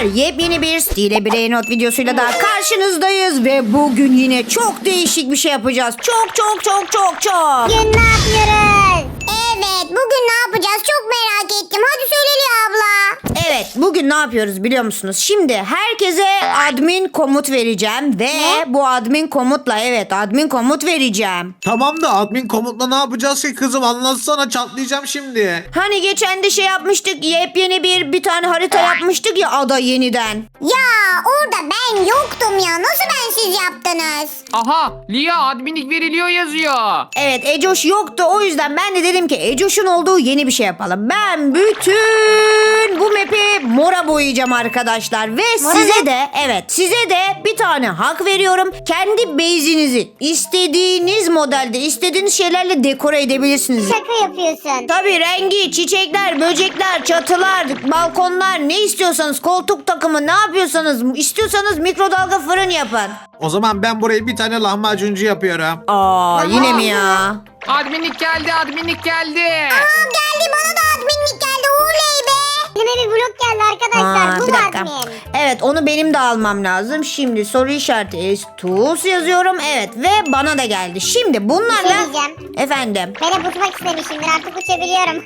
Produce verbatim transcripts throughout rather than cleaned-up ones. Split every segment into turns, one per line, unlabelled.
arkadaşlar, yepyeni bir Stile Brainrot videosuyla daha karşınızdayız ve bugün yine çok değişik bir şey yapacağız. Çok çok çok çok çok.
Bugün ne yapıyoruz? Evet, bugün ne yapacağız? Çok merak ettim. Hadi söyle Lia abla.
Evet, bugün ne yapıyoruz biliyor musunuz? Şimdi herkese admin komut vereceğim ve
Ne?
bu admin komutla evet admin komut vereceğim.
Tamam da admin komutla ne yapacağız ki kızım, anlatsana, çatlayacağım şimdi.
Hani geçen de şey yapmıştık, yepyeni bir bir tane harita yapmıştık ya ada yeniden.
Ya orada ben yoktum ya. Nasıl bensiz yaptınız?
Aha, Lia adminlik veriliyor yazıyor.
Evet, Ecoş yoktu, o yüzden ben de dedim ki Ecoş'un olduğu yeni bir şey yapalım. Ben bütün bu map'i mora boyayacağım arkadaşlar ve
Mora
size
ne?
de evet size de bir tane hak veriyorum. Kendi base'inizi istediğiniz modelde istediğiniz şeylerle dekore edebilirsiniz.
Şaka yapıyorsun.
Tabii rengi, çiçekler, böcekler, çatılar, balkonlar, ne istiyorsanız, koltuk takımı, ne yapıyorsanız, istiyorsanız mikrodalga fırın yapın.
O zaman ben burayı bir tane lahmacuncu yapıyorum.
Aa, yine mi ya?
Adminlik geldi, adminlik geldi.
Aa, geldi, bana da adminlik geldi. Oley be. Elime bir blok geldi arkadaşlar.
Aa,
Bu
bir
mu
dakika.
admin?
Evet, onu benim de almam lazım. Şimdi soru işareti Estus yazıyorum. Evet, ve bana da geldi. Şimdi bunlarla...
Bir şey diyeceğim.
Efendim.
Ben hep uçmak istemişimdir. Artık uçabiliyorum.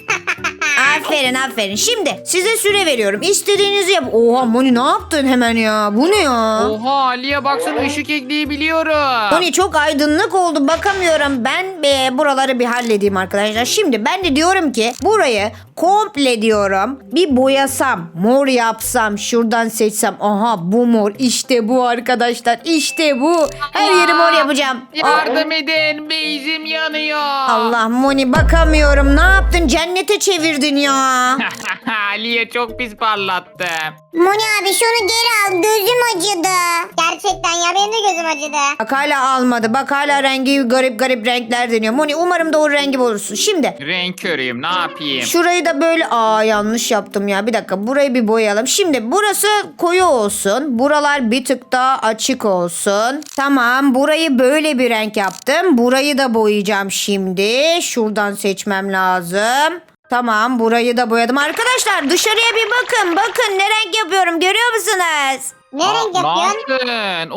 Aferin aferin. Şimdi size süre veriyorum. İstediğinizi yap. Oha Moni, ne yaptın hemen ya? Bu ne ya?
Oha, Lia baksana ışık ekleyebiliyorum.
Moni, çok aydınlık oldu, bakamıyorum. Ben e, buraları bir halledeyim arkadaşlar. Şimdi ben de diyorum ki burayı komple diyorum bir boyasam, mor yapsam, şuradan seçsem. Aha, bu mor, işte bu arkadaşlar, işte bu. Her yeri mor yapacağım.
Yardım edin, beyzim yanıyor.
Allah Moni, bakamıyorum. Ne yaptın? Cennete çevirdin ya.
Lia çok pis parlattı.
Moni abi şunu geri al. Gözüm acıdı. Gerçekten ya, benim de gözüm acıdı.
Bak hala almadı. Bak hala rengi garip garip renkler deniyor. Moni, umarım doğru rengi bulursun. Şimdi
Renk körüyüm, ne yapayım?
şurayı da böyle, aa yanlış yaptım ya. Bir dakika, burayı bir boyayalım. Şimdi burası koyu olsun. Buralar bir tık daha açık olsun. Tamam, burayı böyle bir renk yaptım. Burayı da boyayacağım şimdi. Şuradan seçmem lazım. Tamam, burayı da boyadım. Arkadaşlar dışarıya bir bakın. Bakın ne renk yapıyorum, görüyor musunuz?
Ne
Aa,
renk
ne
yapıyorsun?
yaptın?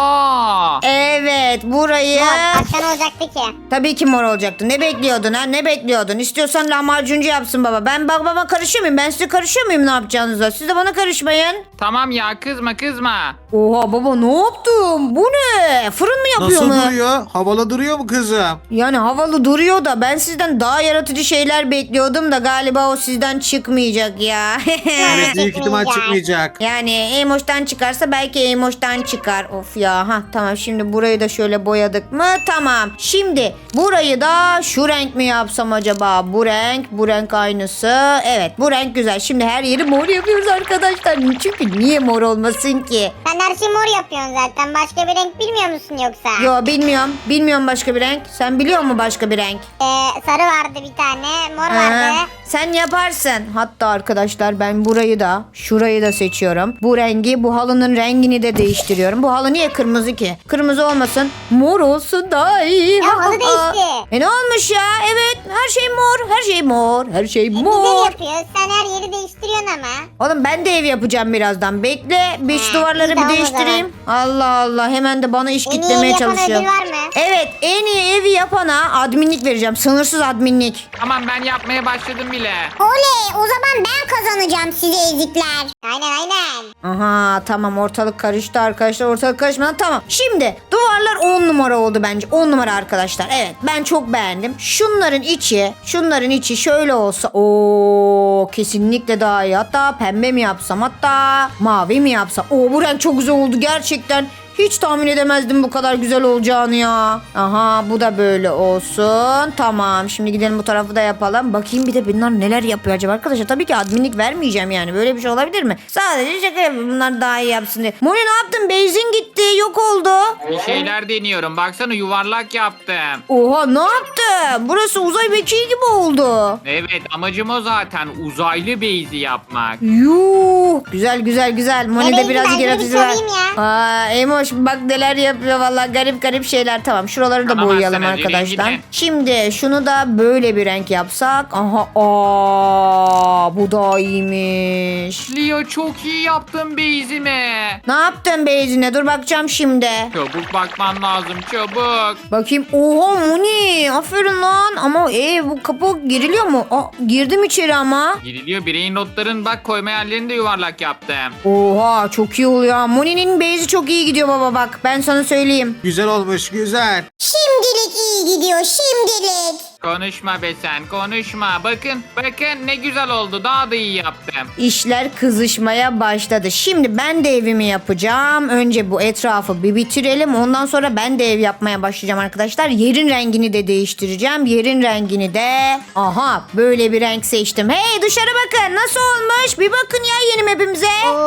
Oha.
Evet, burayı...
Mor. Başka ne olacaktı ki?
Tabii ki mor olacaktı. Ne bekliyordun ha? Ne bekliyordun? İstiyorsan lahmacuncu yapsın baba. Ben bak baba karışıyor muyum? Ben size karışıyor muyum ne yapacağınıza? Siz de bana karışmayın.
Tamam ya, kızma kızma.
Oha baba, ne yaptım? Bu ne? Fırın mı yapıyor
Nasıl
mu?
duruyor? Havalı duruyor mu kızım?
Yani havalı duruyor da ben sizden daha yaratıcı şeyler bekliyordum da galiba o sizden çıkmayacak ya.
Evet, büyük ihtimal
Çıkmayacak.
çıkmayacak.
Yani Emoş'tan çıkarsa belki Emoş'tan çıkar. Of ya. Ha tamam, şimdi burayı da şöyle boyadık mı? Tamam. Şimdi burayı da şu renk mi yapsam acaba? Bu renk, bu renk aynısı. Evet, bu renk güzel. Şimdi her yeri mor yapıyoruz arkadaşlar. Çünkü niye mor olmasın ki?
Sen her şeyi mor yapıyorsun zaten. Başka bir renk bilmiyor musun yoksa?
Yo, bilmiyorum. Bilmiyorum başka bir renk. Sen biliyor musun başka bir renk?
Ee, sarı vardı bir tane. Mor
Ha,
vardı.
sen yaparsın. Hatta arkadaşlar ben burayı da şurayı da seçiyorum. Bu rengi, bu halının rengini de değiştiriyorum. Bu halı niye kırmızı ki? Kırmızı olmasın. Mor olsun daha iyi.
Ya,
Ha,
halı
ha.
değişti.
E ne olmuş ya? Evet, her şey mor. Her şey mor. Her şey
Güzel
mor.
yapıyor. Sen her yeri değiştiriyorsun ama.
Oğlum ben de ev yapacağım birazdan. Bekle. Bir şu duvarları
tamam
bir
o
değiştireyim. Allah Allah. Hemen de bana iş
En iyi
kitlemeye
ev yapan
çalışıyor.
ödül var mı?
Evet, en iyi evi yapana adminlik vereceğim. Sınırsız adminlik.
Tamam, ben yapmaya başladım bile.
Oley, o zaman ben kazanacağım size ezikler. Aynen aynen.
Aha tamam, ortalık karıştı arkadaşlar, ortalık karışmadan tamam. Şimdi duvarlar on numara oldu bence, on numara arkadaşlar. Evet, ben çok beğendim. Şunların içi şunların içi şöyle olsa o kesinlikle daha iyi. Hatta pembe mi yapsam, hatta mavi mi yapsam. Oo, bu renk çok güzel oldu gerçekten. Hiç tahmin edemezdim bu kadar güzel olacağını ya. Aha, bu da böyle olsun. Tamam, şimdi gidelim bu tarafı da yapalım. Bakayım bir de bunlar neler yapıyor acaba arkadaşlar. Tabii ki adminlik vermeyeceğim yani. Böyle bir şey olabilir mi? Sadece şaka yapıyorum, bunlar daha iyi yapsın diye. Moni, ne yaptın? Beyzin gitti, yok oldu.
Bir şeyler deniyorum. Baksana, yuvarlak yaptım.
Oha, ne yaptın? Burası uzay mekiği gibi oldu.
Evet, amacım o zaten. Uzaylı beyzi yapmak.
Yuh. Güzel güzel güzel. Moni de
Beyzi,
birazcık
ben de bir
yaratıcı var.
sorayım ya.
Aa, Emoş Tomuş bak neler yapıyor valla garip garip şeyler. Tamam şuraları da
Kanamazsınız,
boyayalım
yürüyün
arkadaşlar.
gidin.
Şimdi şunu da böyle bir renk yapsak. Aha aa, bu da iyiymiş.
Lia çok iyi yaptın base'imi.
Ne yaptın Beyzine? Dur bakacağım şimdi.
Çabuk bakman lazım çabuk.
Bakayım. Oha Moni. Aferin lan. Ama e, bu kapı giriliyor mu? Aa, girdim içeri ama.
Giriliyor bireyin notların bak koyma yerlerini de yuvarlak yaptım.
Oha çok iyi oluyor. Moni'nin Beyzi çok iyi gidiyor baba bak. Ben sana söyleyeyim.
Güzel olmuş güzel.
Şimdilik iyi gidiyor şimdilik.
Konuşma be sen konuşma. Bakın bakın ne güzel oldu daha da iyi yaptım.
İşler kızışmaya başladı. Şimdi ben de evimi yapacağım. Önce bu etrafı bir bitirelim. Ondan sonra ben de ev yapmaya başlayacağım arkadaşlar. Yerin rengini de değiştireceğim. Yerin rengini de aha böyle bir renk seçtim. Hey dışarı bakın nasıl olmuş? Bir bakın ya yeni mapimize.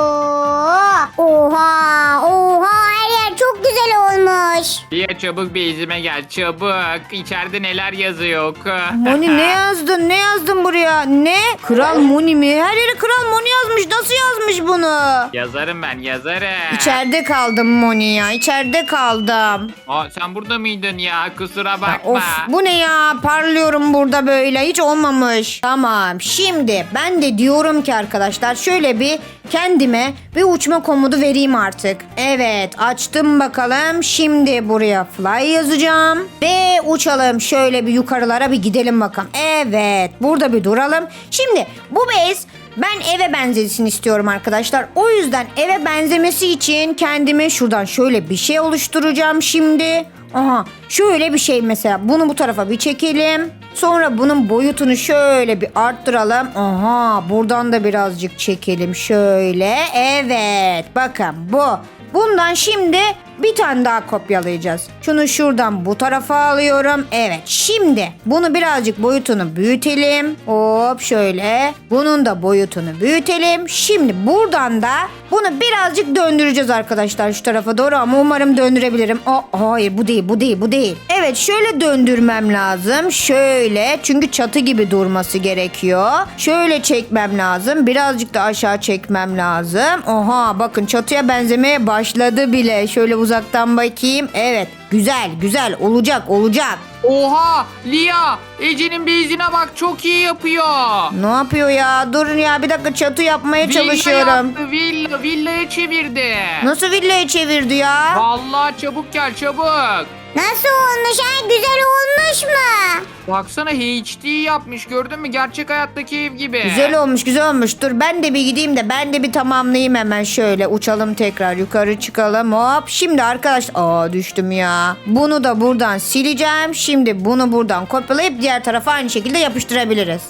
Oo, oha oha her yer çok güzel olmuş.
Lia çabuk base'ime gel çabuk. İçeride neler yazıyor oku.
Moni ne yazdın? Ne yazdın buraya? Ne? Kral Moni mi? Her yere Kral Moni yazmış. Nasıl yazmış bunu?
Yazarım ben yazarım.
İçeride kaldım Moni ya. İçeride kaldım.
Aa, sen burada mıydın ya kusura
Ya
bakma.
of bu ne ya? Parlıyorum burada böyle. Hiç olmamış. Tamam. Şimdi ben de diyorum ki arkadaşlar şöyle bir kendime bir uçma komodu vereyim artık. Evet açtım bakalım. Şimdi buraya fly yazacağım. Ve uçalım. Şöyle bir yukarılara bir gidelim bakalım. Evet. Burada bir duralım. Şimdi bu base ben eve benzesin istiyorum arkadaşlar. O yüzden eve benzemesi için kendime şuradan şöyle bir şey oluşturacağım şimdi. Aha şöyle bir şey mesela. Bunu bu tarafa bir çekelim. Sonra bunun boyutunu şöyle bir arttıralım. Aha buradan da birazcık çekelim şöyle. Evet bakın bu. Bundan şimdi bir tane daha kopyalayacağız. Şunu şuradan bu tarafa alıyorum. Evet şimdi bunu birazcık boyutunu büyütelim. Hop şöyle. Bunun da boyutunu büyütelim. Şimdi buradan da bunu birazcık döndüreceğiz arkadaşlar şu tarafa doğru ama umarım döndürebilirim. Aa, hayır bu değil bu değil bu değil. Evet şöyle döndürmem lazım. Şöyle çünkü çatı gibi durması gerekiyor. Şöyle çekmem lazım. Birazcık da aşağı çekmem lazım. Oha bakın çatıya benzemeye başladı bile. Şöyle uzaktan bakayım. Evet güzel güzel olacak olacak.
Oha Lia Ece'nin base'ine bak çok iyi yapıyor.
Ne yapıyor ya? Durun ya bir dakika çatı yapmaya
Villa
çalışıyorum.
yaptı villa villaya çevirdi.
Nasıl villaya çevirdi ya?
Vallahi çabuk gel çabuk.
Nasıl olmuş ha güzel olmuş mu?
Baksana H D yapmış gördün mü gerçek hayattaki ev gibi.
Güzel olmuş güzel olmuş. Dur ben de bir gideyim de ben de bir tamamlayayım hemen şöyle. Uçalım tekrar yukarı çıkalım hop. Şimdi arkadaşlar aa düştüm ya. Bunu da buradan sileceğim. Şimdi bunu buradan kopyalayıp diğer tarafa aynı şekilde yapıştırabiliriz.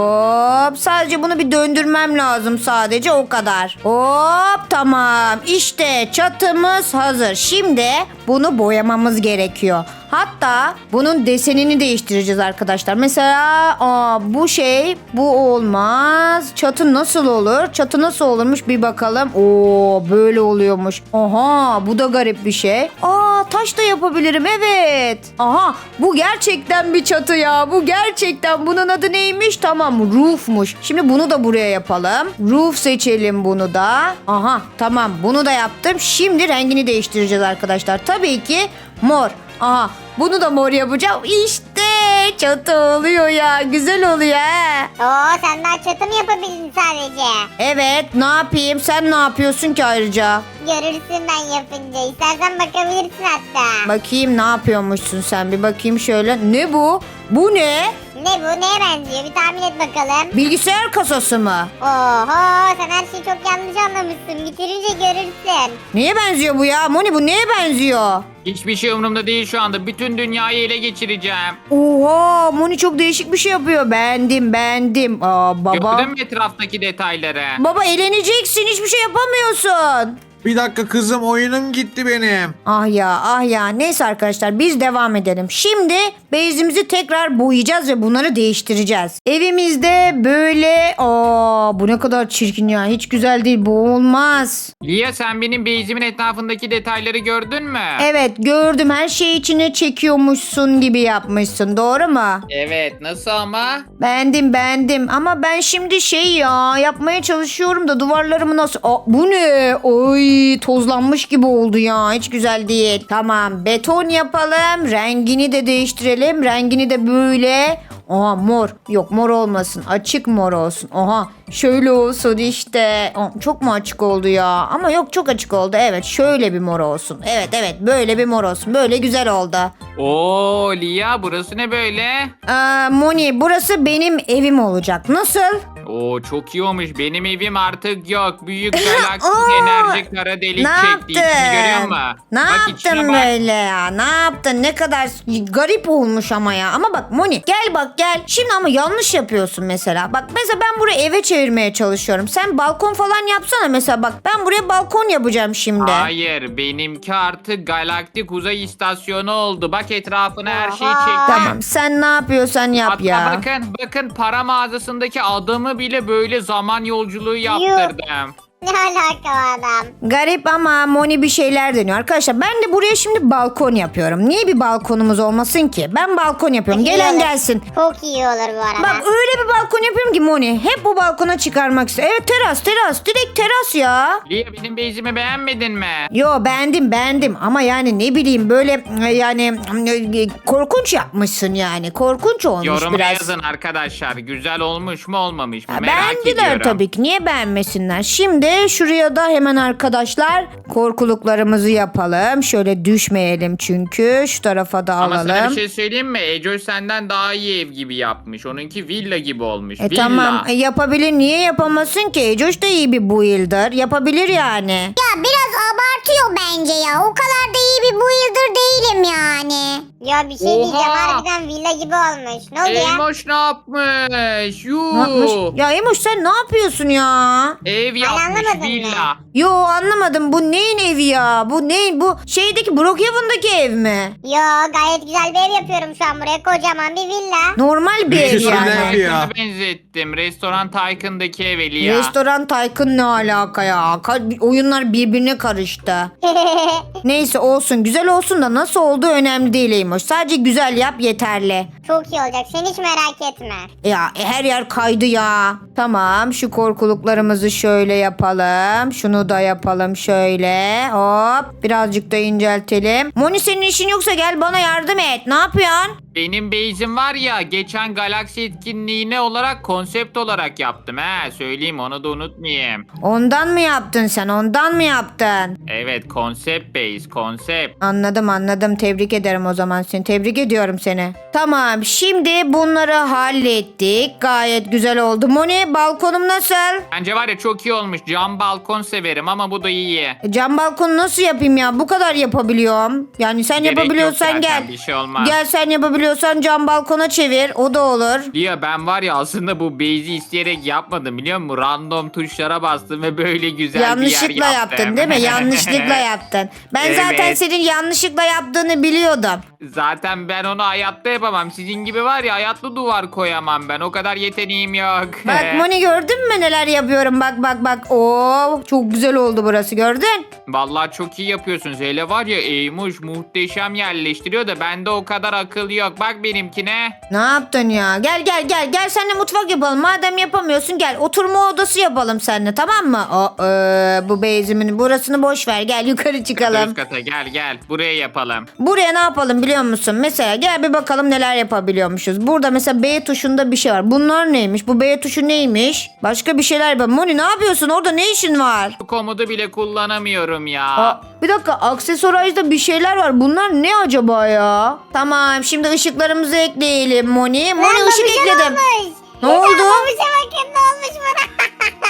Hop sadece bunu bir döndürmem lazım sadece o kadar. Hop tamam işte çatımız hazır. Şimdi bunu boyamamız gerekiyor. Hatta bunun desenini değiştireceğiz arkadaşlar. Mesela aa, bu şey bu olmaz. Çatı nasıl olur? Çatı nasıl olurmuş bir bakalım. Oo böyle oluyormuş. Aha bu da garip bir şey. Aa taş da yapabilirim evet. Aha bu gerçekten bir çatı ya. Bu gerçekten bunun adı neymiş? Tamam roofmuş. Şimdi bunu da buraya yapalım. Roof seçelim bunu da. Aha tamam bunu da yaptım. Şimdi rengini değiştireceğiz arkadaşlar. Tabii ki mor. Aha bunu da mor yapacağım. İşte çatı oluyor ya. Güzel oluyor he.
Oo sen daha çatı mı yapabildin sadece?
Evet ne yapayım? Sen ne yapıyorsun ki ayrıca?
Görürsün ben yapınca. İstersen bakabilirsin hatta.
Bakayım ne yapıyormuşsun sen bir bakayım şöyle. Ne bu? Bu ne?
Ne bu neye benziyor bir tahmin et bakalım.
Bilgisayar kasası mı?
Oho sen her şeyi çok yanlış anlamışsın. Bitirince görürsün.
Neye benziyor bu ya? Moni bu neye benziyor?
Hiçbir şey umurumda değil şu anda. Bütün dünyayı ele geçireceğim.
Oha Moni çok değişik bir şey yapıyor. Beğendim beğendim. Aa baba.
Gördün mü etraftaki detayları?
Baba eğleneceksin hiçbir şey yapamıyorsun.
Bir dakika kızım oyunum gitti benim.
Ah ya ah ya neyse arkadaşlar biz devam edelim. Şimdi base'imizi tekrar boyayacağız ve bunları değiştireceğiz. Evimizde böyle aa bu ne kadar çirkin ya hiç güzel değil bu olmaz.
Lia sen benim base'imin etrafındaki detayları gördün mü?
Evet gördüm her şeyi içine çekiyormuşsun gibi yapmışsın doğru mu?
Evet nasıl ama?
Beğendim beğendim ama ben şimdi şey ya yapmaya çalışıyorum da duvarlarımı nasıl... Aa, bu ne? Oy Ay tozlanmış gibi oldu ya. Hiç güzel değil. Tamam beton yapalım. Rengini de değiştirelim. Rengini de böyle. Oha mor. Yok mor olmasın. Açık mor olsun. Oha şöyle olsun işte. Aa, çok mu açık oldu ya? Ama yok çok açık oldu. Evet şöyle bir mor olsun. Evet evet böyle bir mor olsun. Böyle güzel oldu.
Oo Lia, burası ne böyle?
Aa, Moni burası benim evim olacak. Nasıl?
Oo çok iyi olmuş. Benim evim artık yok. Büyük galaksi
Oo,
enerji kara delik
Ne
çekti. İçini görüyor
yaptın?
musun?
Ne
Bak içine
yaptın
bak.
böyle ya? Ne yaptın? Ne kadar garip olmuş ama ya. Ama bak Moni gel bak gel. Şimdi ama yanlış yapıyorsun mesela. Bak mesela ben burayı eve çevirmeye çalışıyorum. Sen balkon falan yapsana mesela bak. Ben buraya balkon yapacağım şimdi.
Hayır, benimki artık galaktik uzay istasyonu oldu. Bak etrafına her şeyi
Oha.
çektim.
Tamam sen ne yapıyorsan yap
Hatta
ya.
bakın bakın para mağazasındaki adamı bile böyle zaman yolculuğu yaptırdım.
Ne alaka o adam?
Garip ama Moni bir şeyler deniyor. Arkadaşlar ben de buraya şimdi balkon yapıyorum. Niye bir balkonumuz olmasın ki? Ben balkon yapıyorum.
İyi
Gelen
olur.
gelsin.
Çok iyi olur bu arada.
Bak öyle bir balkon yapıyorum ki Moni. Hep bu balkona çıkarmak istiyorum. Evet teras teras. Direkt teras ya.
Lia, benim base'imi beğenmedin mi?
Yo beğendim beğendim ama yani ne bileyim böyle e, yani e, korkunç yapmışsın yani. Korkunç olmuş
Yoruma
biraz.
yazın arkadaşlar. Güzel olmuş mu olmamış mı?
Ya
Merak
beğendiler
ediyorum.
tabii ki. Niye beğenmesinler? Şimdi şuraya da hemen arkadaşlar korkuluklarımızı yapalım. Şöyle düşmeyelim çünkü. Şu tarafa da
Ama sana
alalım.
bir şey söyleyeyim mi? Ecoş senden daha iyi ev gibi yapmış. Onunki villa gibi olmuş.
E
villa.
tamam e, yapabilir. Niye yapamasın ki? Ecoş da iyi bir builder. Yapabilir yani.
Ya biraz abartıyor bence ya. O kadar da iyi bir builder değilim yani. Ya bir şey
Oha.
diyeceğim. Harbiden villa gibi olmuş. Ne oldu ya?
Eymoş ne yapmış? Yuu.
Ne yapmış? Ya Emoş sen ne yapıyorsun ya?
Ev yapmış
anlamadım
villa.
Yo anlamadım. Bu neyin evi ya? Bu ne? Bu şeydeki Brookhaven'daki ev mi?
Yo gayet güzel bir ev yapıyorum şu an buraya. Kocaman bir villa.
Normal bir ev
Güzel
yani.
ev ya.
Tycoon'a benzettim. Restoran Tycoon'daki ev Lia.
Restoran Tycoon ne alaka ya? Ka- oyunlar birbirine karıştı. Neyse olsun. Güzel olsun da nasıl olduğu önemli değil Eymoş. Sadece güzel yap yeterli.
Çok iyi olacak. Sen hiç merak etme.
Ya e, her yer kaydı ya. Tamam şu korkuluklarımızı şöyle yapalım. Şunu da yapalım şöyle. Hop birazcık da inceltelim. Moni senin işin yoksa gel bana yardım et. Ne yapıyorsun?
Benim base'im var ya, geçen galaksi etkinliğine olarak konsept olarak yaptım. He söyleyeyim, onu da unutmayayım.
Ondan mı yaptın sen? Ondan mı yaptın?
Evet, konsept base, konsept.
Anladım anladım. Tebrik ederim o zaman seni. Tebrik ediyorum seni. Tamam şimdi bunları hallettik. Gayet güzel oldu. Moni balkonum nasıl?
Bence var ya çok iyi olmuş. Cam balkon severim ama bu da iyi.
E, Cam balkonu nasıl yapayım ya? Bu kadar yapabiliyorum. Yani sen
Gerek yok
yapabiliyorsan
zaten,
gel.
bir şey olmaz.
Gel sen yapabiliyorsan cam balkona çevir. O da olur.
Lia, ben var ya aslında bu base'i isteyerek yapmadım, biliyor musun? Random tuşlara bastım ve böyle güzel bir yer
Yanlışlıkla
yaptım.
yaptın değil mi? Yanlışlıkla yaptın. Ben zaten
Evet.
senin yanlışlıkla yaptığını biliyordum.
Zaten ben onu hayatta yapamam. Sizin gibi var ya, hayatta duvar koyamam ben. O kadar yeteneğim yok.
Bak Moni gördün mü neler yapıyorum? Bak bak bak. Oo çok güzel oldu burası gördün?
Vallahi çok iyi yapıyorsunuz. Hele var ya, Eymuş muhteşem yerleştiriyor da bende o kadar akıl yok. Bak benimkine.
Ne yaptın ya? Gel gel gel. Gel seninle mutfak yapalım. Madem yapamıyorsun gel. Oturma odası yapalım seninle tamam mı? O, e, bu beyzimin burasını boş ver. Gel yukarı çıkalım.
Üst kata gel gel. Buraya yapalım.
Buraya ne yapalım biliyor musun? Mesela gel bir bakalım neler yapabiliyormuşuz. Burada mesela B tuşunda bir şey var. Bunlar neymiş? Bu B tuşu neymiş? Başka bir şeyler yapalım. Moni ne yapıyorsun? Orada ne işin var?
Bu komodu bile kullanamıyorum ya.
Aa, bir dakika aksesuarajda bir şeyler var. Bunlar ne acaba ya? Tamam şimdi ışıklarımızı ekleyelim Moni. Moni
Lan
ışık
babuşa
ekledim.
olmuş.
Ne oldu?
Babuşa bakın ne olmuş bana.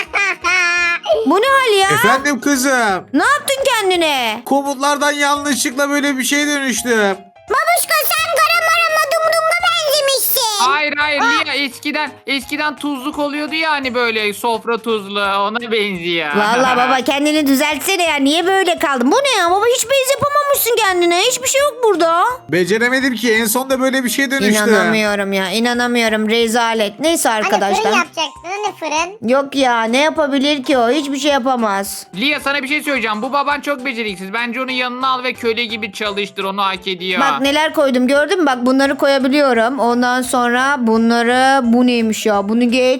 Bu ne hal ya?
Efendim kızım.
Ne yaptın kendine?
Komutlardan yanlışlıkla böyle bir şey dönüştüm.
Babuşka sen Garamarama Dumdum'a benzemişsin.
Hayır hayır Lia, eskiden eskiden tuzluk oluyordu ya hani, böyle sofra tuzlu, ona benziyor.
Vallahi baba kendini düzeltsene ya. Niye böyle kaldın? Bu ne ya baba? Hiç bez yapamamışsın kendine. Hiçbir şey yok burada.
Beceremedim ki en sonunda böyle bir şey dönüştü.
İnanamıyorum ya. İnanamıyorum. Rezalet. Neyse
Hani
arkadaşlar.
fırın yapacaksın hani fırın.
Yok ya ne yapabilir ki o? Hiçbir şey yapamaz.
Lia, sana bir şey söyleyeceğim. Bu baban çok beceriksiz. Bence onu yanına al ve köle gibi çalıştır. Onu hak ediyor.
Bak neler koydum gördün mü? Bak bunları koyabiliyorum. Ondan sonra bunları bu neymiş ya? Bunu geç.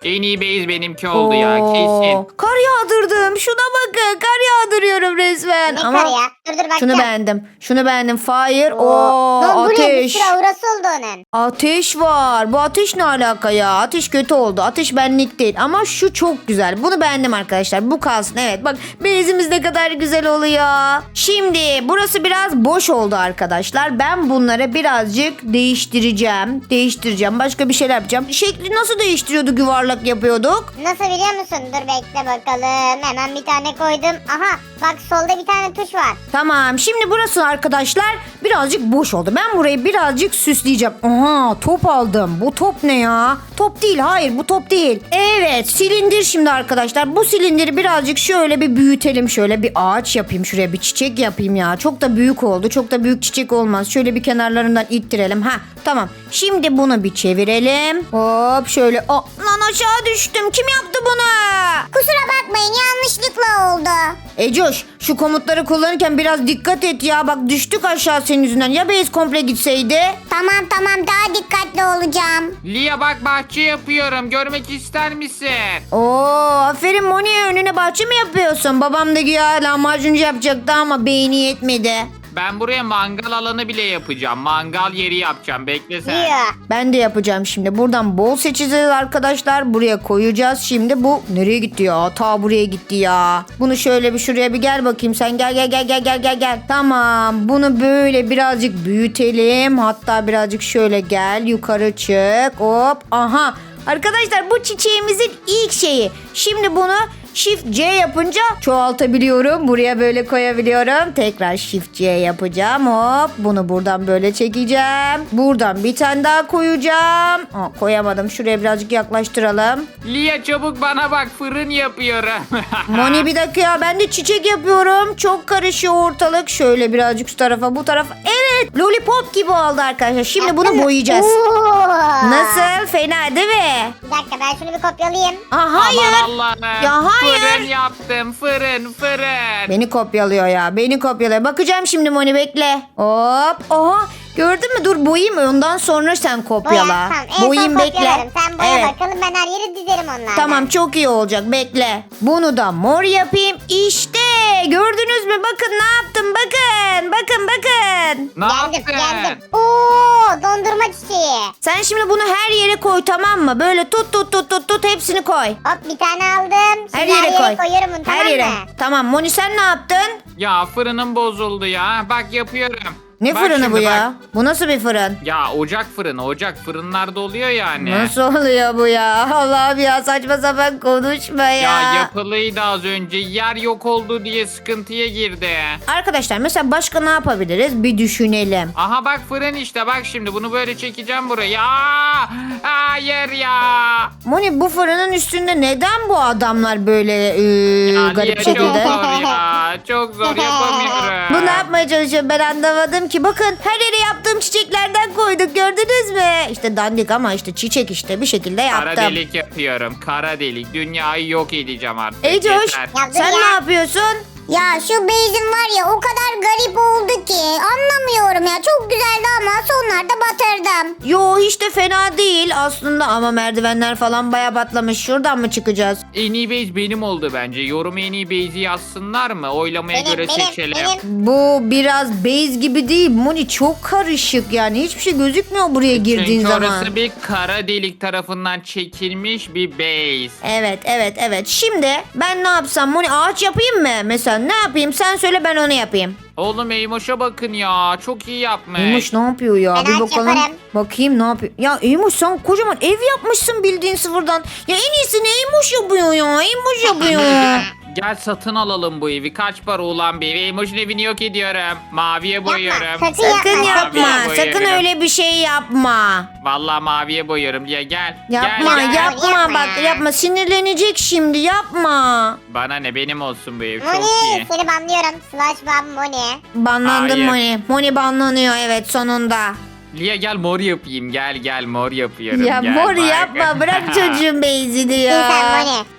En iyi base benimki oldu ya kesin.
Kar yağdırdım. Şuna bakın. Kar yağdırıyorum resmen.
Ne
Ama
kar ya? Dur dur bakacağım.
şunu beğendim. Şunu beğendim. Fire.
Oo.
Oo,
Lan bu ne? Bir
ateş.
sürü aurası oldu onun.
Ateş var. Bu ateş ne alaka ya? Ateş kötü oldu. Ateş benlik değil. Ama şu çok güzel. Bunu beğendim arkadaşlar. Bu kalsın. Evet bak bezimiz ne kadar güzel oluyor. Şimdi burası biraz boş oldu arkadaşlar. Ben bunları birazcık değiştireceğim. Değiştireceğim. Başka bir şeyler yapacağım. Şekli nasıl değiştiriyorduk, yuvarlak yapıyorduk?
Nasıl biliyor musun? Dur bekle bakalım. Hemen bir tane koydum. Aha bak solda bir tane tuş var.
Tamam. Şimdi burası arkadaşlar birazcık boş oldu. Ben burayı birazcık süsleyeceğim. Aha top aldım. Bu top ne ya? Top değil. Hayır bu top değil. Evet silindir şimdi arkadaşlar. Bu silindiri birazcık şöyle bir büyütelim. Şöyle bir ağaç yapayım. Şuraya bir çiçek yapayım ya. Çok da büyük oldu. Çok da büyük çiçek olmaz. Şöyle bir kenarlarından ittirelim. Ha tamam. Şimdi bunu bir çevirelim. Hop şöyle. Aa, lan aşağı düştüm. Kim yaptı bunu?
Kusura bakmayın yanlışlıkla oldu.
Ecoş şu komutları kullanırken biraz dikkat et ya. Bak düştük aşağı senin yüzünden. Ya base komple gitseydi?
Tamam tamam daha dikkatli olacağım.
Lia bak bahçe yapıyorum. Görmek ister misin?
Oo aferin Moni, önüne bahçe mi yapıyorsun? Babam da güya lahmacuncu yapacaktı ama beyni yetmedi.
Ben buraya mangal alanı bile yapacağım. Mangal yeri yapacağım. Bekle sen.
Diyor.
Ben de yapacağım şimdi. Buradan bol seçeceğiz arkadaşlar. Buraya koyacağız. Şimdi bu nereye gitti ya? Ta buraya gitti ya. Bunu şöyle bir şuraya bir gel bakayım. Sen gel gel gel gel gel gel gel. Tamam. Bunu böyle birazcık büyütelim. Hatta birazcık şöyle gel. Yukarı çık. Hop. Aha. Arkadaşlar bu çiçeğimizin ilk şeyi. Şimdi bunu Shift C yapınca çoğaltabiliyorum. Buraya böyle koyabiliyorum. Tekrar Shift C yapacağım. Hop. Bunu buradan böyle çekeceğim. Buradan bir tane daha koyacağım. Aa, koyamadım. Şuraya birazcık yaklaştıralım.
Lia çabuk bana bak, fırın yapıyorum.
Moni bir dakika ya. Ben de çiçek yapıyorum. Çok karışıyor ortalık. Şöyle birazcık şu tarafa bu tarafa. Evet. Lollipop gibi oldu arkadaşlar. Şimdi bunu boyayacağız.
Oo.
Nasıl? Fena değil mi?
Bir dakika ben şunu bir kopyalayayım.
Aa, hayır.
Aman Allah'ım.
Ya hayır.
Fırın yaptım. Fırın fırın.
Beni kopyalıyor ya. Beni kopyalıyor. Bakacağım şimdi Moni, bekle. Hop. Oha. Gördün mü? Dur boyayım. Ondan sonra sen kopyala.
Boya tamam. En
Boyayım
son
bekle.
kopyalarım. Sen boya
Evet.
bakalım ben her yeri dizerim onlardan.
Tamam çok iyi olacak. Bekle. Bunu da mor yapayım. İşte. Gördünüz mü? Bakın ne yaptım. Bakın. Bakın bakın.
Ne
Geldim
yaptın?
geldim. Oo dondurma çiçeği.
Sen şimdi bunu her yere koy, tamam mı? Böyle tut tut tut tut tut hepsini koy.
Hop bir tane aldım. Şimdi
Her yere koy.
koyuyorum bunu
Her
tamam
yere.
mı?
Tamam Moni sen ne yaptın?
Ya fırınım bozuldu ya. Bak yapıyorum.
Ne
Bak
fırını
şimdi
bu ya?
bak.
Bu nasıl bir fırın?
Ya ocak fırını. Ocak fırınlarda oluyor yani.
Nasıl oluyor bu ya? Allah'ım ya, saçma sapan konuşma ya.
Ya yapılıydı az önce. Yer yok oldu diye sıkıntıya girdi.
Arkadaşlar mesela başka ne yapabiliriz? Bir düşünelim.
Aha bak fırın işte, bak şimdi bunu böyle çekeceğim buraya. Aa, hayır ya.
Moni bu fırının üstünde neden bu adamlar böyle e,
Ya
garip
niye
bir
çok
şekilde?
zor ya. Çok zor yapamıyorum.
Bu ne yapmaya çalışıyor ben anlamadım ki. Bakın her yere yaptığım çiçeklerden koyduk, gördünüz mü? İşte dandik ama işte çiçek işte bir şekilde yaptım.
Kara delik yapıyorum. Kara delik. Dünyayı yok edeceğim artık.
Ey Coş,
Yeter.
Ya dur
sen
ya.
ne yapıyorsun?
Ya şu beyzin var ya o kadar garip oldu ki anlamıyorum ya. Çok güzeldi ama sonlarda batırdım.
Yo hiç de fena değil aslında ama merdivenler falan baya batlamış. Şuradan mı çıkacağız?
En iyi base benim oldu bence. Yorum en iyi base'i yazsınlar mı? Oylamaya
Benim,
göre
benim,
seçelim.
benim.
Bu biraz base gibi değil. Moni çok karışık yani. Hiçbir şey gözükmüyor buraya girdiğin
Çünkü
zaman.
orası bir kara delik tarafından çekilmiş bir base.
Evet evet evet. Şimdi ben ne yapsam Moni, ağaç yapayım mı? Mesela ne yapayım? Sen söyle ben onu yapayım.
Oğlum Eymoş'a bakın ya. Çok iyi yapmış.
Eymuş ne yapıyor ya?
Ben
Bir
ağaç
bakalım.
yaparım.
Bakayım ne yapıyor. Ya Eymuş sen kocaman ev yapmışsın bildiğin sıfırdan. Ya en iyisini Eymuş yapıyor ya. Eymuş yapıyor.
Gel satın alalım bu evi. Kaç para olan bir ev? Eymoş'un evini yok ediyorum. Maviye boyuyorum.
sakın
Sakın
Yapma,
yapma.
Maviye
Sakın
boyuyorum.
öyle bir şey yapma.
Vallahi maviye boyuyorum diye gel.
Yapma
gel, gel.
yapma
Yapma
bak
ya.
yapma. Sinirlenecek şimdi, yapma.
Bana ne, benim olsun bu ev. Çok
Moni
iyi.
seni banlıyorum. Slash ban Moni.
Banlandım
Hayır.
Moni. Moni banlanıyor evet sonunda.
Lia gel mor yapayım. Gel gel mor yapıyorum.
Ya
gel,
mor
bak.
yapma, bırak çocuğun beyzini
İyi sen
ya.
Moni.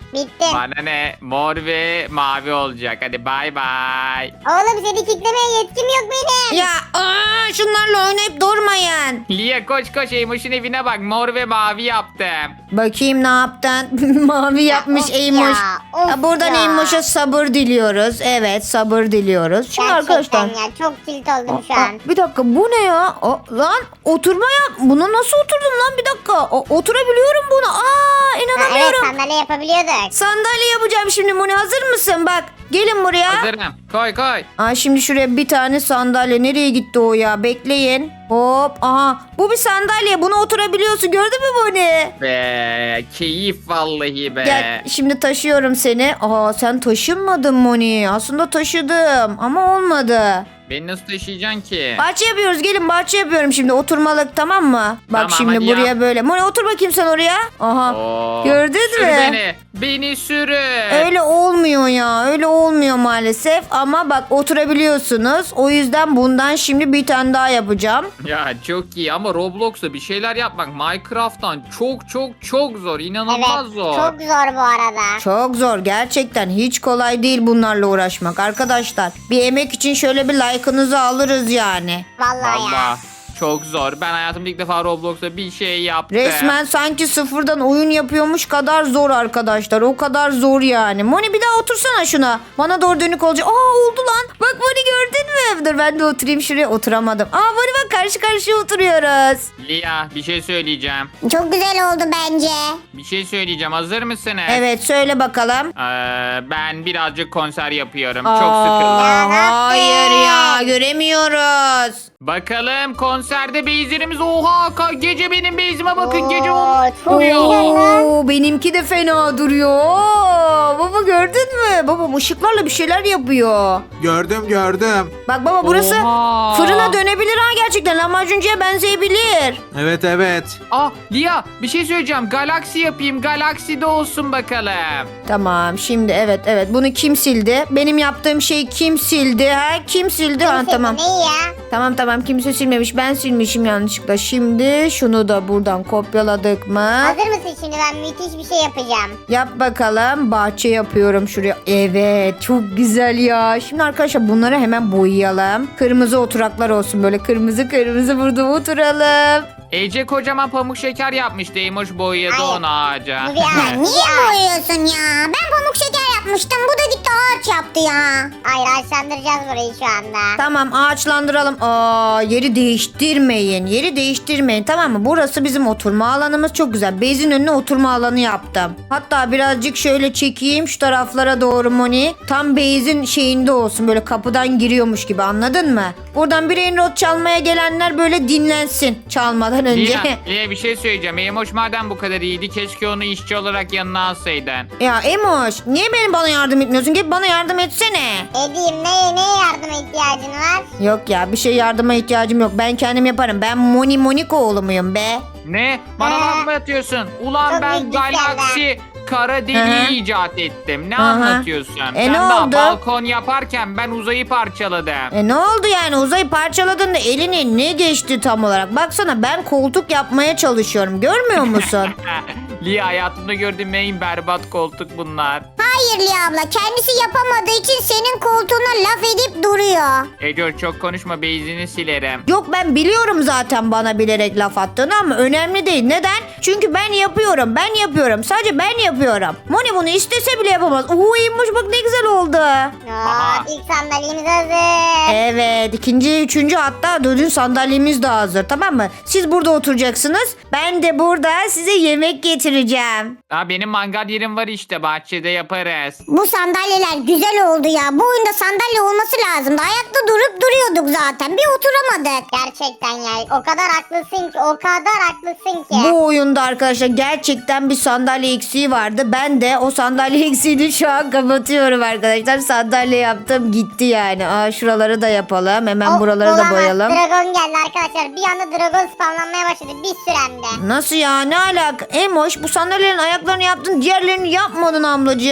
Bittim.
Bana ne? Mor ve mavi olacak. Hadi bay bay.
Oğlum seni kitlemeye yetkim yok benim.
Ya aa, şunlarla oynayıp durmayın.
Lia koş koş Eymoş'un evine bak. Mor ve mavi yaptım.
Bakayım ne yaptın? Mavi yapmış
of
Eymoş.
ya, of
Ya, buradan
ya.
Eymoş'a sabır diliyoruz. Evet sabır diliyoruz. Şimdi
Gerçekten
arkadaşlar.
ya çok tilt oldum şu
Aa,
an.
bir dakika bu ne ya? Aa, lan oturma yap. Buna nasıl oturdum lan bir dakika. Aa, oturabiliyorum buna. Aa
Ha, evet
inanamıyorum.
sandalye yapabiliyorduk.
Sandalye yapacağım şimdi Moni, hazır mısın? Bak gelin buraya.
Hazırım. Koy koy.
Aa, şimdi şuraya bir tane sandalye. Nereye gitti o ya? Bekleyin. Hop. Aha. Bu bir sandalye. Buna oturabiliyorsun. Gördün mü Moni?
Be keyif vallahi be.
Gel şimdi taşıyorum seni. Aa sen taşınmadın Moni. Aslında taşıdım ama olmadı.
Beni nasıl taşıyacaksın ki?
Bahçe yapıyoruz. Gelin bahçe yapıyorum şimdi. Oturmalık, tamam mı? Bak
Tamam,
şimdi
hadi
buraya
yap.
böyle. Moni otur bakayım sen oraya. Aha.
Oo,
Gördün
sür
mü?
beni. Beni sürün.
Öyle olmuyor ya. Öyle olmuyor maalesef. Ama bak oturabiliyorsunuz. O yüzden bundan şimdi bir tane daha yapacağım.
Ya çok iyi ama Roblox'ta bir şeyler yapmak Minecraft'tan çok çok çok zor. İnanılmaz
Evet
zor.
çok zor bu arada.
Çok zor. Gerçekten hiç kolay değil bunlarla uğraşmak. Arkadaşlar bir emek için şöyle bir like'ınızı alırız yani.
Vallahi, ya.
Valla çok zor. Ben hayatımda ilk defa Roblox'ta bir şey yaptım.
Resmen sanki sıfırdan oyun yapıyormuş kadar zor arkadaşlar. O kadar zor yani. Moni bir daha otursana şuna. Bana doğru dönük olacak. Aa oldu lan. Bak Moni gördün mü? Dur ben de oturayım şuraya. Oturamadım. Aa Moni bak karşı karşıya oturuyoruz.
Lia bir şey söyleyeceğim.
Çok güzel oldu bence.
Bir şey söyleyeceğim. Hazır mısınız?
Evet söyle bakalım.
Ee, ben birazcık konser yapıyorum.
Aa,
Çok sıkıldım.
Ya, ne
hayır ya
yaptın?
göremiyoruz.
Bakalım konserde beyzlerimiz. Oha ka- gece benim beyzime bakın. Gece
Oo,
o
çok
duruyor.
güzel lan.
Oo, benimki de fena duruyor. Oo, baba gördün mü? Baba ışıklarla bir şeyler yapıyor.
Gördüm gördüm.
Bak baba burası
Oha.
fırına dönebilir ha gerçekten. Lahmacuncuya benzeyebilir.
Evet evet.
Ah Lia bir şey söyleyeceğim. Galaksi yapayım. Galakside olsun bakalım.
Tamam şimdi evet evet bunu kim sildi? Benim yaptığım şeyi kim sildi? Ha kim sildi? Ha,
Kimse
tamam.
neyi ya?
Tamam tamam kimse silmemiş. Ben silmişim yanlışlıkla. Şimdi şunu da buradan kopyaladık mı?
Hazır mısın şimdi ben müthiş bir şey yapacağım.
Yap bakalım. Bahçe yapıyorum şuraya. Evet çok güzel ya. Şimdi arkadaşlar bunları hemen boyayalım. Kırmızı oturaklar olsun böyle. Kırmızı kırmızı burada oturalım.
Ece kocaman pamuk şeker yapmış. Değmiş boyadı
Ay,
onu ağaca.
Bu bir ağaç.
Niye boyuyorsun ya? Ben pamuk şeker yapmıştım. Bu da gitti ağaç yaptı ya.
Hayır ağaçlandıracağız burayı şu anda.
Tamam ağaçlandıralım. Aa, yeri değiştirmeyin. Yeri değiştirmeyin tamam mı? Burası bizim oturma alanımız çok güzel. Bezin önüne oturma alanı yaptım. Hatta birazcık şöyle çekeyim şu taraflara doğru Moni. Tam bezin şeyinde olsun böyle kapıdan giriyormuş gibi anladın mı? Buradan brain rot çalmaya gelenler böyle dinlensin çalmadan önce.
Lia, Lia bir şey söyleyeceğim. Emoş madem bu kadar iyiydi keşke onu işçi olarak yanına alsaydın.
Ya Emoş niye benim bana yardım etmiyorsun? Gel bana yardım etsene.
Edeyim neye neye yardıma ihtiyacın var?
Yok ya bir şey yardıma ihtiyacım yok. Ben kendim yaparım. Ben Moni Moniko oğlu muyum be?
Ne? Bana
Ee,
laf mı atıyorsun? Ulan
çok
ben
büyük
galaksi kara
Hı hı.
deliği icat ettim. Ne
Hı hı.
anlatıyorsun?
E,
Sen
ne
daha
oldu?
balkon yaparken ben uzayı parçaladım.
E ne oldu yani uzayı parçaladığında eline ne geçti tam olarak? Baksana ben koltuk yapmaya çalışıyorum. Görmüyor musun?
Lia hayatımda gördüğüm en berbat koltuk bunlar.
Hayır Lia abla. Kendisi yapamadığı için senin koltuğuna laf edip duruyor.
Ece çok konuşma beyzini silerim.
Yok ben biliyorum zaten bana bilerek laf attığını ama önemli değil. Neden? Çünkü ben yapıyorum. Ben yapıyorum. Sadece ben yapıyorum. Moni bunu istese bile yapamaz. Uuu iyiymiş bak ne güzel oldu.
Aha.
Oo, ilk sandalyemiz hazır.
Evet ikinci, üçüncü hatta dördüncü sandalyemiz de hazır tamam mı? Siz burada oturacaksınız. Ben de burada size yemek getireceğim.
Aa, benim mangal yerim var işte bahçede yaparız.
Bu sandalyeler güzel oldu ya. Bu oyunda sandalye olması lazımdı. Ayakta durup duruyorduk zaten. Bir oturamadık.
Gerçekten ya o kadar haklısın ki o kadar haklısın ki.
Bu oyunda arkadaşlar gerçekten bir sandalye eksiği vardı. Ben de o sandalye eksiğini şu an kapatıyorum arkadaşlar. Sandalye yaptım gitti yani. Aa, şuraları da yapalım. Hemen
O-
buraları da
olamaz.
boyayalım.
Dragon geldi arkadaşlar. Bir anda dragon spamlanmaya başladı bir süremde.
Nasıl ya ne alaka? Emoş bu sandalyelerin ayaklarını yaptın diğerlerini yapmadın ablacığım.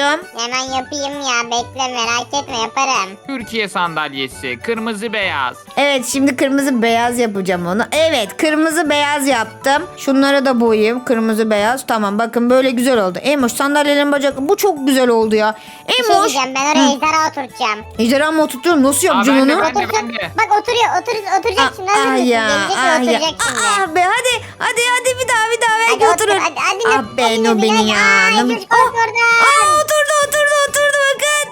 yaptım.
Hemen yapayım ya, bekle, merak etme, yaparım.
Türkiye sandalyesi. Kırmızı beyaz.
Evet şimdi kırmızı beyaz yapacağım onu. Evet kırmızı beyaz yaptım. Şunları da boyayayım. Kırmızı beyaz. Tamam bakın böyle güzel oldu. Emoş sandalyelerin bacakları. Bu çok güzel oldu ya.
Bir şey
Emoş.
diyeceğim, ben oraya ejderha oturtacağım.
Ejderha mı oturtuyorum? Nasıl
Aa,
yapacağım
ben de,
onu?
ben de,
Otursun.
ben de.
Bak oturuyor, otur, oturacak şimdi. Hazır mısın?
ya,
Gelecek
ah
ve
ya.
oturacak şimdi.
Ah be hadi hadi hadi bir daha bir daha belki
Hadi otur,
oturur.
hadi, hadi,
ah
hadi,
be
hadi,
no
hadi,
beni
hadi.
ya.
Ay,
No-
çocuk
Oh,
oturdu.
Aa, oturdu oturdu oturdu bakın.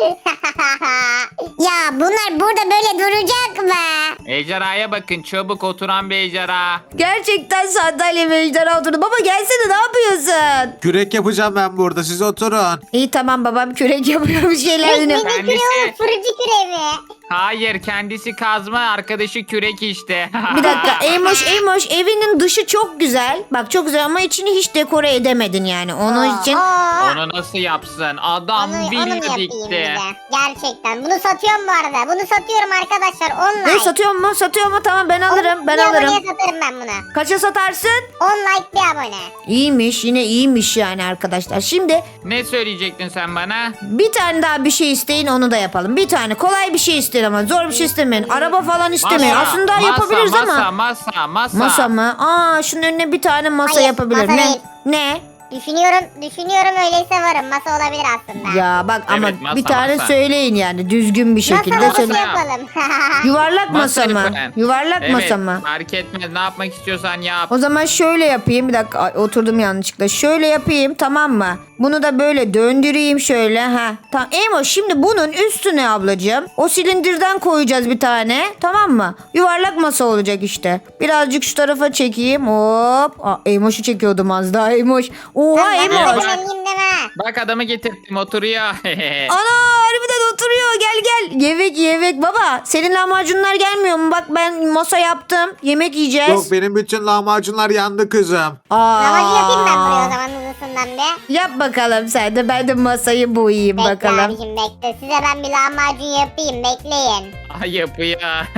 Ya bunlar burada böyle duracak mı?
Ejderhaya bakın. Çabuk oturan bir ejderha.
Gerçekten sandalye ve ejderha oturdu. Baba gelsene ne yapıyorsun?
Kürek yapacağım ben burada. Siz oturun.
İyi tamam babam kürek yapıyor bir şeyler
Ne
deniyor.
ne küreği
Kendisi.
oğlum, fırıncı küreği mi?
Hayır, kendisi kazma, arkadaşı kürek işte.
Bir dakika Eymoş Eymoş evinin dışı çok güzel. Bak çok güzel ama içini hiç dekore edemedin yani. Onun için
Aa,
Onu nasıl yapsın? Adam
onu, onu mu
villa
yapayım bir
dikti.
de? Gerçekten. Bunu satıyorum bu arada. Bunu satıyorum arkadaşlar online.
ne satıyor mu? Satıyor mu? Tamam ben alırım. Ben
Bir
alırım.
aboneye satarım ben bunu.
Kaça satarsın?
on like bir abone.
İyiymiş yine iyiymiş yani arkadaşlar. Şimdi
Ne söyleyecektin sen bana?
bir tane daha bir şey isteyin onu da yapalım. Bir tane kolay bir şey isteyin ama zor bir şey istemeyin. Araba falan istemeyin.
Masa,
Aslında
masa,
yapabiliriz
masa,
ama.
Masa, masa,
Masa mı? Aa şunun önüne bir tane masa
Hayır,
yapabilirim.
masa
Ne?
değil.
Ne?
Düşünüyorum, düşünüyorum öyleyse varım. Masa olabilir aslında.
Ya bak ama
Evet, masa,
bir tane
masa.
söyleyin yani düzgün bir şekilde
masa
söyle.
masa yapalım.
Yuvarlak masa mı?
lütfen.
Yuvarlak
Evet,
masa mı?
fark etmez. Ne yapmak istiyorsan yap.
O zaman şöyle yapayım. Bir dakika ay, oturdum yanlışlıkla. Şöyle yapayım tamam mı? Bunu da böyle döndüreyim şöyle. Ha. Tamam. Emo şimdi bunun üstüne ablacığım o silindirden koyacağız bir tane. Tamam mı? Yuvarlak masa olacak işte. Birazcık şu tarafa çekeyim. Hop. Aa, Emoş'u çekiyordum az daha. Emoş. Oha
Ben
Emoş.
Emoş. Eminim deme.
Bak adamı getirdim, oturuyor.
Ana harbiden oturuyor. Gel gel. Yemek yemek baba. Senin lahmacunlar gelmiyor mu? Bak ben masa yaptım. Yemek yiyeceğiz.
Yok benim bütün lahmacunlar yandı kızım.
Aa.
Lavacı yapayım ben buraya o zaman hızlısından bir.
Yap bakalım sen de. Ben de masayı boyayayım
Bekle
bakalım.
abicim bekle. Size ben bir lahmacun yapayım. Bekleyin.
Ay yapıyor.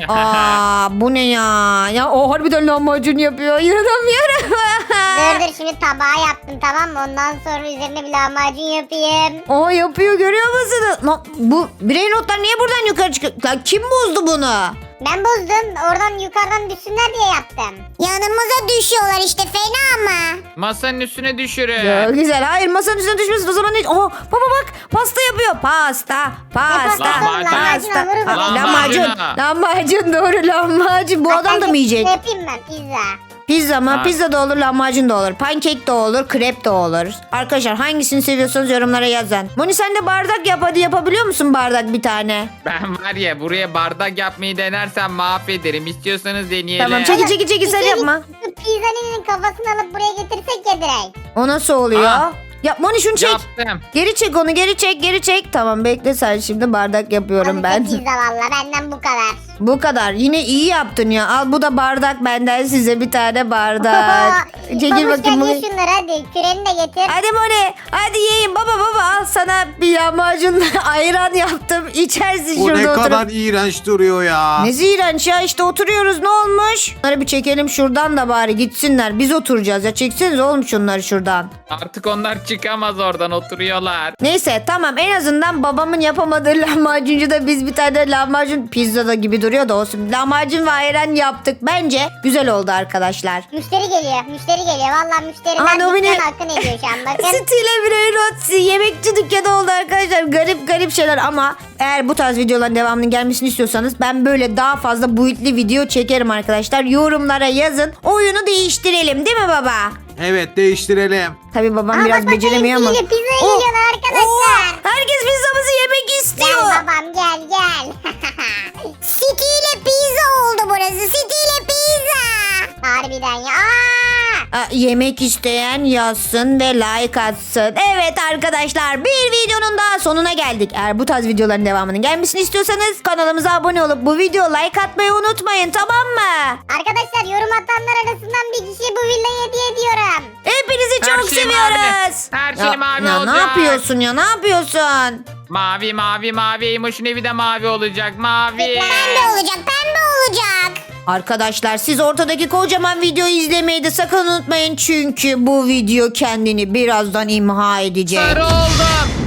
Aa bu ne ya? Ya o harbiden lahmacun yapıyor. İnanamıyorum.
Dur dur şimdi tabağı yaptım tamam mı? Ondan sonra üzerine bir lahmacun yapayım.
Aa yapıyor görüyor musunuz? Lan, bu birey notlar niye buradan yukarı çıkıyor? Lan kim bozdu bunu?
Ben bozdum. Oradan yukarıdan düşsünler diye yaptım.
Yanımıza düşüyorlar işte, fena mı?
Masanın üstüne düşürün.
Ya, güzel. Hayır masanın üstüne düşmesin. O zaman ne? Aa baba bak pasta yapıyor. Pasta. Pasta.
Lahmacun,
Pasta.
lahmacun,
Aa,
lahmacun.
Lahmacun. Lahmacun doğru lahmacun. Bu adam da mı yiyecek?
Ne yapayım ben? Pizza.
Pizza mı?
Ha.
Pizza da olur, lahmacun da olur. Pankek de olur, krep de olur. Arkadaşlar hangisini seviyorsanız yorumlara yazın. Moni sen de bardak yap hadi yapabiliyor musun bardak bir tane?
Ben var ya buraya bardak yapmayı denersem mahvederim. İstiyorsanız deneyelim.
Tamam çekil çekil çekil sen
Bir şey-
yapma.
Şu pizzanın kafasını alıp buraya getirsek ya direkt.
O nasıl oluyor?
Aa.
Ya Moni şunu çek.
Yaptım.
Geri çek onu geri çek geri çek. Tamam bekle sen şimdi bardak yapıyorum
Al
ben.
işte pizza valla benden bu kadar.
Bu kadar. Yine iyi yaptın ya. Al bu da bardak benden size bir tane bardak. Çekil
Babuş
bakayım
gel
bunu.
ye şunları hadi. Küreni de getir.
Hadi Moni. Hadi yiyin baba baba al sana bir lahmacun ayran yaptım. İçersin
Bu
şurada
ne
oturup.
kadar iğrenç duruyor ya.
Ne iğrenç ya işte oturuyoruz ne olmuş? Bunları bir çekelim şuradan da bari gitsinler. Biz oturacağız ya çekseniz oğlum şunları şuradan.
Artık onlar çıkamaz oradan, oturuyorlar.
Neyse tamam en azından babamın yapamadığı lahmacuncuda biz bir tane lahmacun pizzada gibi duruyor da olsun. Lahmacun ve ayran yaptık. Bence güzel oldu arkadaşlar.
Müşteri geliyor. Müşteri geliyor. Valla müşteriler
Aman o beni-
dükkan hakkını ediyor şu an. Bakın.
Stile birey rot yemekçi dükkanı oldu arkadaşlar. Garip garip şeyler ama eğer bu tarz videoların devamının gelmesini istiyorsanız ben böyle daha fazla boyutlu video çekerim arkadaşlar. Yorumlara yazın. Oyunu değiştirelim değil mi baba?
Evet değiştirelim.
Tabii babam
Aa,
biraz
bak, bak,
beceremiyor ama.
pizzayla, pizzaya
Oh,
geliyorlar arkadaşlar.
oh, herkes pizzamızı yemek istiyor.
Gel babam gel gel.
City ile pizza oldu burası. City ile pizza.
Harbiden ya. Aa!
Aa, yemek isteyen yazsın ve like atsın. Evet arkadaşlar bir videonun daha sonuna geldik. Eğer bu tarz videoların devamının gelmesini istiyorsanız kanalımıza abone olup bu video like atmayı unutmayın tamam mı?
Arkadaşlar yorum atanlar arasından bir kişiye bu villayı hediye ediyorum.
Hepinizi
Her
çok
şey
seviyoruz.
mavi. Her şey
Ya-
mavi
ya
olacak.
Ne yapıyorsun ya ne yapıyorsun?
Mavi mavi mavi. Emoş'un evi de mavi olacak. Mavi.
Pembe olacak, pembe olacak.
Arkadaşlar siz ortadaki kocaman videoyu izlemeyi de sakın unutmayın. Çünkü bu video kendini birazdan imha edecek.
Sarı oldum.